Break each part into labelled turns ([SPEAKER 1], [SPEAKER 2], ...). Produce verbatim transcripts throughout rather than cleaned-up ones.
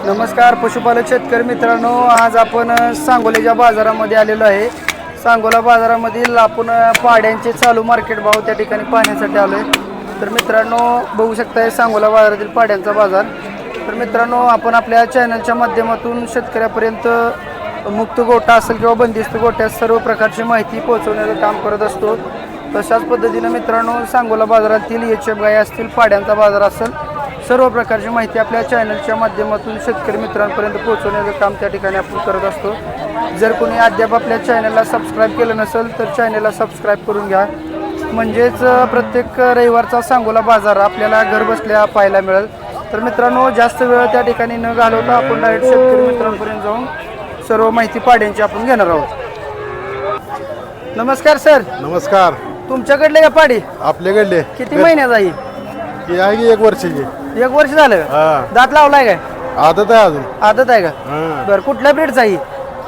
[SPEAKER 1] नमस्कार पशुपालक शेतकरी मित्रांनो, आज आपण सांगोल्याच्या बाजारामध्ये आलेलो आहे। सांगोला बाजारामधील आपण पाड्यांचे चालू मार्केट भाव त्या ठिकाणी पाहण्यासाठी आलोय। तर मित्रांनो बघू शकताय सांगोला बाजारातील पाड्यांचा बाजार। तर मित्रांनो आपण आपल्या चॅनलच्या माध्यमातून शेतकऱ्यापर्यंत मुक्त गोठा असेल किंवा बंदिस्त गोठ्यात सर्व प्रकारची माहिती पोहोचवण्याचं काम करत असतो। तशाच पद्धतीने मित्रांनो सांगोला बाजारातील एच एफ गाय असतील, पाड्यांचा बाजार असेल, सर्व प्रकारची माहिती आपल्या चॅनलच्या माध्यमातून शेतकरी मित्रांपर्यंत पोहोचवण्याचं काम त्या ठिकाणी आपण करत असतो। जर कोणी अद्याप आपल्या चॅनलला सबस्क्राईब केलं नसेल तर चॅनलला सबस्क्राईब करून घ्या, म्हणजेच प्रत्येक रविवारचा सांगोला बाजार आपल्याला घर बसल्या पाहायला मिळेल। तर मित्रांनो जास्त वेळ त्या ठिकाणी न घालवता आपण डायरेक्ट शेतकरी मित्रांपर्यंत जाऊन सर्व माहिती पाड्यांची आपण घेणार आहोत। नमस्कार सर।
[SPEAKER 2] नमस्कार।
[SPEAKER 1] तुमच्याकडले का पाडी?
[SPEAKER 2] आपल्याकडले
[SPEAKER 1] किती महिन्यात आहे?
[SPEAKER 2] ही आहे की एक वर्षाची।
[SPEAKER 1] एक वर्ष झालं का?
[SPEAKER 2] हा।
[SPEAKER 1] दात लावलाय काय?
[SPEAKER 2] आदत आहे अजून।
[SPEAKER 1] आदत आहे का?
[SPEAKER 2] हा।
[SPEAKER 1] बरं, कुठल्या ब्रीडचा आहे?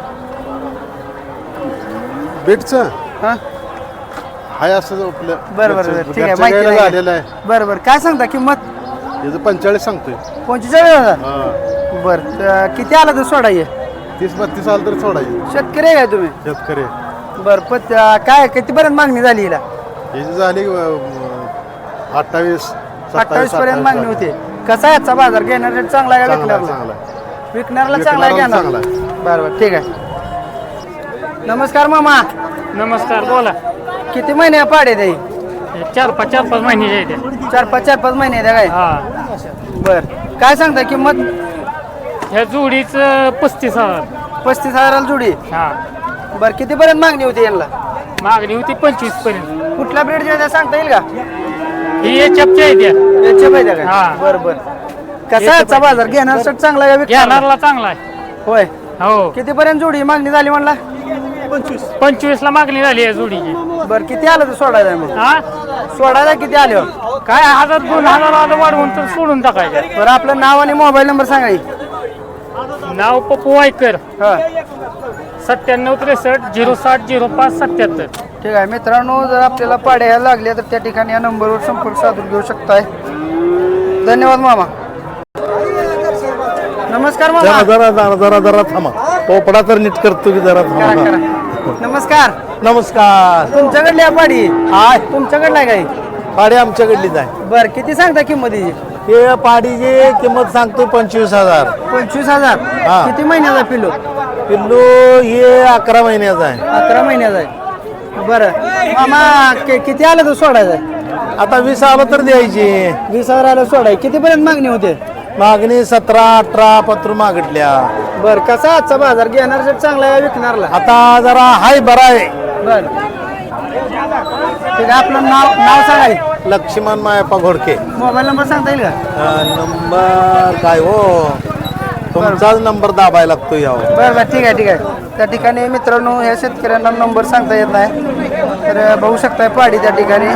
[SPEAKER 2] बीटचं
[SPEAKER 1] हा
[SPEAKER 2] हाय असं आपलं।
[SPEAKER 1] बरं बरं बरं, ठीक आहे,
[SPEAKER 2] घरच्या
[SPEAKER 1] माहिती
[SPEAKER 2] गाईला
[SPEAKER 1] आहे।
[SPEAKER 2] झालेलं आहे।
[SPEAKER 1] बरं बरं, काय सांगता किंमत?
[SPEAKER 2] याचं पंचेचाळीस सांगतोय।
[SPEAKER 1] पंचेचाळीस हजार?
[SPEAKER 2] हा।
[SPEAKER 1] बरं, तर किती आला तर सोडा ये?
[SPEAKER 2] तीस बत्तीस आलं तर सोडायची।
[SPEAKER 1] शेतकरी आहे काय तुम्ही?
[SPEAKER 2] शेतकरी
[SPEAKER 1] बरं, पण काय कितीपर्यंत मागणी झाली हिला?
[SPEAKER 2] याची झाली अठ्ठावीस
[SPEAKER 1] अठ्ठावीस पर्यंत मागणी होती। कसा आहे आजचा बाजार? घेणार रेट चांगला आहे का विकणारला?
[SPEAKER 2] चांगला
[SPEAKER 1] विकणारला चांगला आहे, घेणार
[SPEAKER 2] चांगला आहे।
[SPEAKER 1] बरं बरं, ठीक आहे। नमस्कार मामा।
[SPEAKER 3] नमस्कार, बोला।
[SPEAKER 1] किती महिने पाडे ते?
[SPEAKER 3] चार पाच चार पाच महिने आहेत
[SPEAKER 1] चार पाच चार पाच महिने आहे काय?
[SPEAKER 3] हा।
[SPEAKER 1] बर, काय सांगता किंमत?
[SPEAKER 3] ह्या जोडीच पस्तीस हजार।
[SPEAKER 1] पस्तीस हजाराला जोडी?
[SPEAKER 3] हा।
[SPEAKER 1] बर, कितीपर्यंत मागणी होती यांना?
[SPEAKER 3] मागणी होती पंचवीस पर्यंत।
[SPEAKER 1] कुठल्या ब्रीडच्या सांगता येईल का?
[SPEAKER 3] ही एचएफची आहे त्या।
[SPEAKER 1] याच्या पाहिजे का?
[SPEAKER 3] हा।
[SPEAKER 1] बर बर, कसा आहे आजचा बाजार? घेणार साठी चांगला आहे का विकणारला?
[SPEAKER 3] घेणारला चांगला आहे।
[SPEAKER 1] होय।
[SPEAKER 3] हो,
[SPEAKER 1] कितीपर्यंत जोडी मागणी झाली म्हणला?
[SPEAKER 3] पंचवीस पंचवीस ला मागणी झाली या जोडीची।
[SPEAKER 1] बर, किती आलं तर सोडायला मग?
[SPEAKER 3] हा,
[SPEAKER 1] सोडायला किती आले?
[SPEAKER 3] काय हजार दोन हजार आलं वाढवून तर सोडून टाकायचं।
[SPEAKER 1] बरं, आपलं नाव आणि मोबाईल नंबर सांगा की.
[SPEAKER 3] नाव पप्पू वायकर,
[SPEAKER 1] हा,
[SPEAKER 3] सत्त्याण्णव त्रेसष्ट झिरो साठ झिरो पाच सत्याहत्तर।
[SPEAKER 1] ठीक आहे मित्रांनो, जर आपल्याला पाड्या यायला लागल्या तर त्या ठिकाणी या नंबरवर संपर्क साधून घेऊ शकताय। धन्यवाद मामा। नमस्कार मामा।
[SPEAKER 2] जरा जरा जरा जरा जरा थांबा, पोपडा तर नीट करतो की जरा
[SPEAKER 1] करा,
[SPEAKER 2] थांबा।
[SPEAKER 1] करा। नमस्कार।
[SPEAKER 2] नमस्कार।
[SPEAKER 1] तुमच्याकडली आहे पाडी?
[SPEAKER 2] हाय,
[SPEAKER 1] तुमच्याकडला आहे काय?
[SPEAKER 2] पाडी आमच्याकडलीच आहे।
[SPEAKER 1] बर, किती सांगता किंमत हिची?
[SPEAKER 2] हे पाडीची किंमत सांगतो पंचवीस हजार।
[SPEAKER 1] पंचवीस हजार?
[SPEAKER 2] हा।
[SPEAKER 1] किती महिन्याचा पिल्लू?
[SPEAKER 2] पिल्लू हे अकरा महिन्याचा आहे।
[SPEAKER 1] अकरा महिन्याचा आहे। बरं मामा, कि- किती आलं तर सोडायचं आहे?
[SPEAKER 2] आता वीस आलं तर द्यायची।
[SPEAKER 1] वीस हजार आलं सोडाय, कितीपर्यंत मागणी होते?
[SPEAKER 2] मागणी सतरा अठरा पत्र मागितल्या।
[SPEAKER 1] बरं, कसा आजचा बाजार? घेणार रेट चांगला आहे, विकणारला?
[SPEAKER 2] आता जरा हाय बरा आहे।
[SPEAKER 1] बर, ठीक आहे, आपलं नाव नाव सांगा की.
[SPEAKER 2] लक्ष्मण मायप्पा घोडके।
[SPEAKER 1] मोबाईल नंबर सांगता येईल का?
[SPEAKER 2] अं, नंबर काय हो, तुमचाच नंबर दाबायला लागतो यावर।
[SPEAKER 1] बरं बरं, ठीक आहे ठीक आहे। त्या ठिकाणी मित्रांनो ह्या शेतकऱ्यांना नंबर सांगता येत नाही, तर बघू शकताय पाडी त्या ठिकाणी।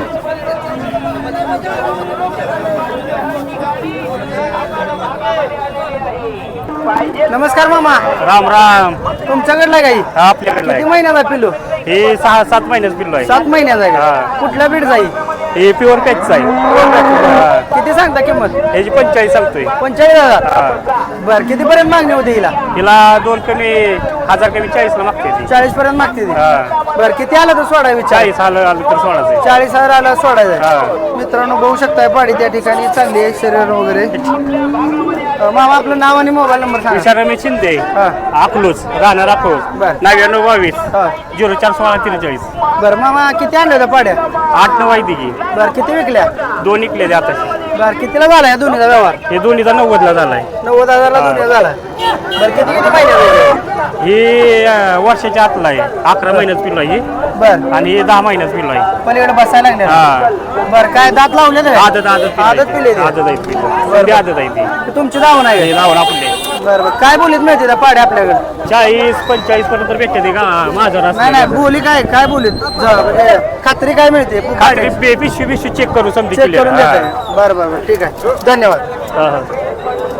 [SPEAKER 1] नमस्कार मामा।
[SPEAKER 3] राम राम।
[SPEAKER 1] तुमच्याकडला काही
[SPEAKER 3] आपल्याकडे
[SPEAKER 1] किती महिन्याचा पिल्लू?
[SPEAKER 3] हे सहा सात महिन्याच पिल्लो आहे।
[SPEAKER 1] सात महिन्याचा आहे का?
[SPEAKER 3] हा।
[SPEAKER 1] कुठल्या बीड जाई?
[SPEAKER 3] हे प्युअर पॅच आहे।
[SPEAKER 1] किती सांगता किंमत?
[SPEAKER 3] ह्याची पंचेचाळीस सांगतोय।
[SPEAKER 1] पंचेचाळीस हजार? बरं, कितीपर्यंत मागणी होती हिला?
[SPEAKER 3] हिला दोन कमी हजार कमी चाळीस ला मागते ती।
[SPEAKER 1] चाळीस पर्यंत मागते ती?
[SPEAKER 3] हा।
[SPEAKER 1] बरं, किती आलं तर सोडाय विचार?
[SPEAKER 3] चाळीस आलं आलं तर सोडायचं।
[SPEAKER 1] चाळीस हजार आला सोडायचं?
[SPEAKER 3] हा।
[SPEAKER 1] मित्रांनो बघू शकताय पाडी त्या ठिकाणी चांगली आहे, शरीर वगैरे। अं, मामा आपलं नाव आणि मोबाईल नंबर सांगा।
[SPEAKER 3] विशाल रमेश शिंदे,
[SPEAKER 1] हा।
[SPEAKER 3] अकलूज, राहणार अकलूज,
[SPEAKER 1] बर।
[SPEAKER 3] नव्याण्णव बावीस
[SPEAKER 1] हा।
[SPEAKER 3] झिरो चार सोळा त्रेचाळीस।
[SPEAKER 1] बरं मामा, किती आणल्या होत्या पाड्या?
[SPEAKER 3] आठ नऊ आहे तिघी,
[SPEAKER 1] बरं, किती विकल्या?
[SPEAKER 3] दोन इकले आता।
[SPEAKER 1] बरं, कितीला झाला या दोन्हीचा व्यवहार?
[SPEAKER 3] हे दोन्हीचा नव्वदला झालाय।
[SPEAKER 1] नव्वद हजारला दोन्ही झाला? बरं, किती किती महिन्याचा?
[SPEAKER 3] ही अं, वर्षाच्या आतला आहे, अकरा महिन्याच पिल्लो आहे ही,
[SPEAKER 1] बरं,
[SPEAKER 3] आणि हे दहा महिन्याच पिल्लो आहे।
[SPEAKER 1] पलीकडे बसायला लागले?
[SPEAKER 3] हा।
[SPEAKER 1] बरं, काय दात लावले नाही?
[SPEAKER 3] आदत आदत
[SPEAKER 1] आदत पिले ते?
[SPEAKER 3] आदत आहे पिल्लो, सगळी आदत आहे ती।
[SPEAKER 1] ते तुमची जाऊ नाही?
[SPEAKER 3] हे लावून आपले
[SPEAKER 1] बरं बरं, काय बोलीत मिळते त्या पाड्या आपल्याकडे?
[SPEAKER 3] चाळीस पंचेचाळीस पर्यंत भेटते ते का माझा
[SPEAKER 1] नाही नाही, बोली काय काय बोलीत? ज- म्हणजे खात्री काय मिळते?
[SPEAKER 3] पिशवी पिशवी चेक करू समजा
[SPEAKER 1] चेक करून देताय? बरं बरं बरं, ठीक आहे, धन्यवाद।